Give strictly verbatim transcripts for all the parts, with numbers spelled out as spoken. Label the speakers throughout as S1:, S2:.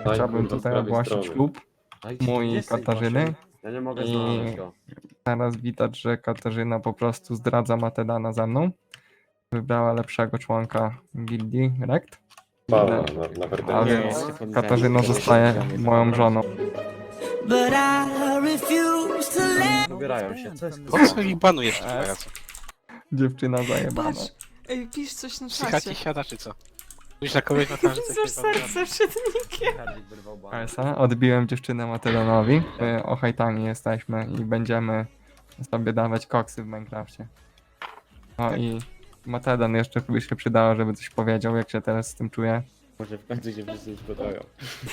S1: Daj,
S2: Chciałbym
S1: kurwa, z
S2: tutaj
S1: prawej
S2: ogłosić
S1: strony.
S2: ślub
S3: Dajcie,
S2: mój
S3: jest tej
S2: Katarzyny.
S3: waszej. Ja nie mogę
S2: I-
S3: znaleźć go.
S2: Teraz widać, że Katarzyna po prostu zdradza Matedana ze mną. Wybrała lepszego członka gildii Rekt.
S1: Pana,
S2: No.
S1: na, na
S2: A
S1: pretensje.
S2: więc Katarzyna zostaje moją żoną.
S4: But I refuse to let
S3: Wybierają się, co jest
S5: Po co ich banujesz tych
S2: Es.
S5: pajaców?
S2: Dziewczyna zajebana.
S6: Patrz! Ej, pisz coś na
S5: Psychaci
S6: czacie.
S5: siada czy co? Musisz na kogoś na twarzy coś
S6: Widzę serce przed nikiem.
S3: Hardzik wyrwał banę.
S2: Esa, odbiłem dziewczynę Matedanowi. Y, Ochajtami jesteśmy i będziemy sobie dawać koksy w Minecrafcie. No i Matedan jeszcze by się przydało, żeby coś powiedział, jak się teraz z tym czuje.
S7: Może w końcu się wszyscy spodobają.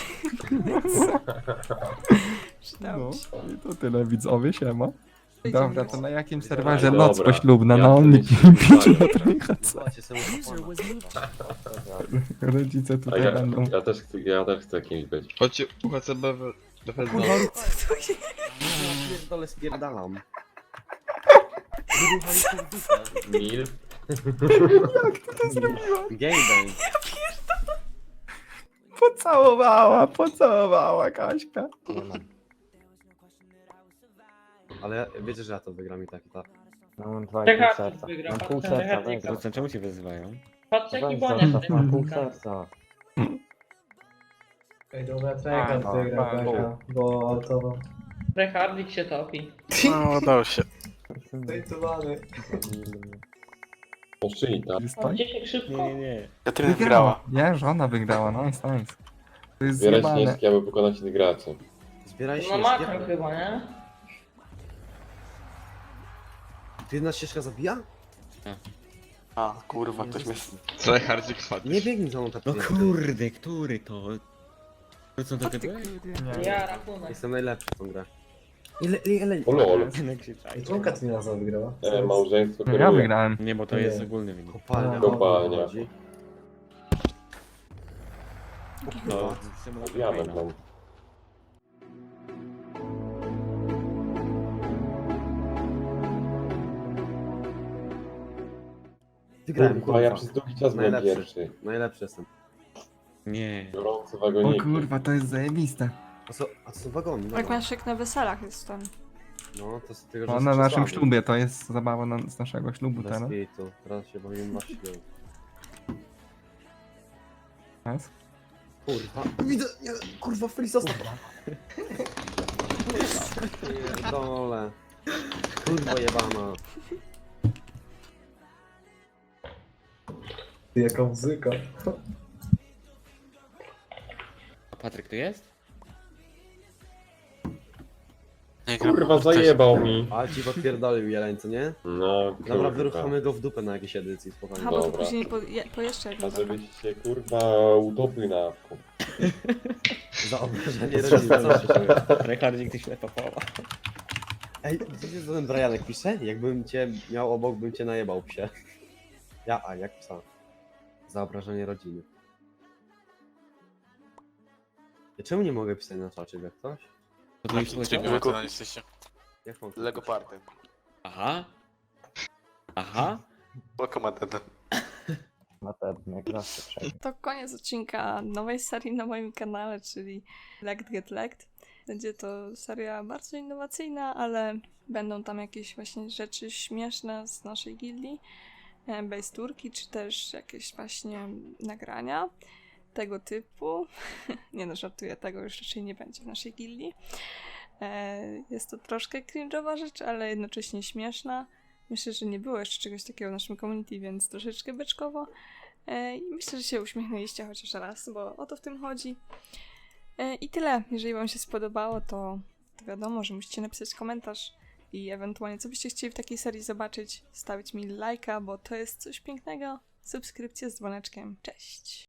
S6: Przydało
S2: No
S6: mi się.
S2: i to tyle widzowie, siema.
S6: Idziemy
S2: Dobra,
S6: grać.
S2: to na jakim
S1: Dobra,
S2: serwerze noc
S1: dobra.
S2: poślubna?
S1: Ja
S2: Na
S1: chcę
S2: Only
S1: mieć
S2: pięć
S1: wyzwanie.
S2: na trójchace.
S3: Zobaczcie sobie
S4: user was moved.
S2: Rodzice
S1: A
S2: tutaj
S1: ja,
S2: będą.
S1: ja, też chcę, ja też chcę kimś być.
S8: Chodźcie U H C B w- do Fezno.
S3: Ja pierdolę spierdalam. Wyruchali się w dupę.
S1: Mil?
S3: Gangbang.
S2: Pocałowała, pocałowała Kaśka.
S3: Ale wiecie, że ja to wygram i tak i tak.
S7: No mam dwa i pół
S9: Czekaj,
S7: serca.
S9: wygra,
S7: Mam pół
S9: patrzę,
S7: serca,
S9: czekaj,
S7: weź, Rucen, czemu się wyzywają?
S9: Patrz jaki
S7: Weź
S9: boniek
S7: zostaw, mam pół
S9: tutaj.
S7: serca.
S10: Ej, dobra,
S2: A,
S10: czekaj,
S2: no,
S10: wygra,
S2: tak.
S10: wygra, bo to
S9: Rechardik się topi.
S5: No, udało się.
S10: zajtowany.
S1: Oszczyni, tak?
S9: O, gdzie się szybko?
S7: Nie, nie, nie.
S5: Katarzyna wygrała.
S2: Nie, żona wygrała, nice, nice. To jest
S1: Zbierać
S2: zjebane.
S1: śnieżki, aby pokonać innych graczy.
S3: Zbieraj
S9: No
S3: śnieżki.
S9: makro chyba, nie?
S3: Ty jedna ścieżka zabija?
S5: A, kurwa,
S3: ktoś mnie...
S8: Tryhardzik padł.
S3: Nie biegnij za mną tak
S7: No
S3: pięknie.
S7: kurde, który to? To co to
S6: Ty
S7: ty?
S6: kurde.
S9: Ja rachunek.
S3: Jestem najlepszy w tą grę. Ile, ile, ile?
S1: O lol.
S7: Nie krzyczaj.
S10: I czemu Katrina za wygrała?
S1: E, małżeństwo
S2: No ja
S1: kieruje.
S2: wygrałem.
S7: Nie, bo to
S10: Nie.
S7: jest ogólny wynik.
S3: Kopalnia.
S1: Kopalnia.
S3: chodzi.
S7: No,
S1: Diament mam.
S3: Wygrałem,
S1: Kurwa, ja
S3: kurwa.
S1: przez długi czas byłem
S3: Najlepszy.
S1: pierwszy.
S3: Najlepszy jestem.
S7: Nie.
S1: Biorący
S2: O
S1: wagoniki.
S2: kurwa, to jest zajebiste.
S3: A co, a co wagony?
S6: Jak
S3: Dobra.
S6: masz jak na weselach jest tam.
S3: No, to z tego, że
S2: No,
S3: jest
S2: na naszym
S3: przesłany.
S2: ślubie, to jest zabawa na, z naszego ślubu
S3: Bez
S2: teraz.
S3: kitu. Teraz się bawimy na siłę.
S2: Jest.
S3: Kurwa. Widzę, nie, kurwa, Feli zostaw. Pierdolę. Kurwa jebana.
S10: Ty, jaka muzyka.
S7: A Patryk tu jest?
S5: Nie gram.
S1: Kurwa, zajebał mi.
S3: Ale ci podpierdolił jeleń, co nie?
S1: No,
S3: Dobra,
S1: kurwa.
S3: wyruchamy go w dupę na jakiejś edycji,
S6: Aha,
S3: spokojnie.
S6: bo to
S1: Dobra.
S6: później po, je, po jeszcze
S1: A
S6: jedno.
S1: żebyś się kurwa utopił na awku.
S3: Za obrażenie rodziny, co się czuje?
S7: Rechardzik, ty ślepa połowa.
S3: Ej, wiecie co ten Brianek pisze? Jakbym cię miał obok, bym cię najebał, psie. Ja, a jak psa. Za obrażenie rodziny. Ja czemu nie mogę pisać na czacie, jak ktoś?
S7: To
S5: Na
S7: już
S5: kim
S7: leciało?
S5: trybie to jesteście?
S3: Jak mam
S5: Lego Party.
S7: Aha. Aha.
S5: Lokomatyna.
S6: To koniec odcinka nowej serii na moim kanale, czyli Lekt Get Lekt. Będzie to seria bardzo innowacyjna, ale będą tam jakieś właśnie rzeczy śmieszne z naszej gildii, e, base turki, czy też jakieś właśnie nagrania tego typu. Nie no, żartuję, tego już raczej nie będzie w naszej gildii. E, Jest to troszkę cringe'owa rzecz, ale jednocześnie śmieszna. Myślę, że nie było jeszcze czegoś takiego w naszym community, więc troszeczkę beczkowo. E, I myślę, że się uśmiechnęliście chociaż raz, bo o to w tym chodzi. E, I tyle. Jeżeli wam się spodobało, to, to wiadomo, że musicie napisać komentarz i ewentualnie co byście chcieli w takiej serii zobaczyć, stawić mi lajka, bo to jest coś pięknego. Subskrypcja z dzwoneczkiem. Cześć!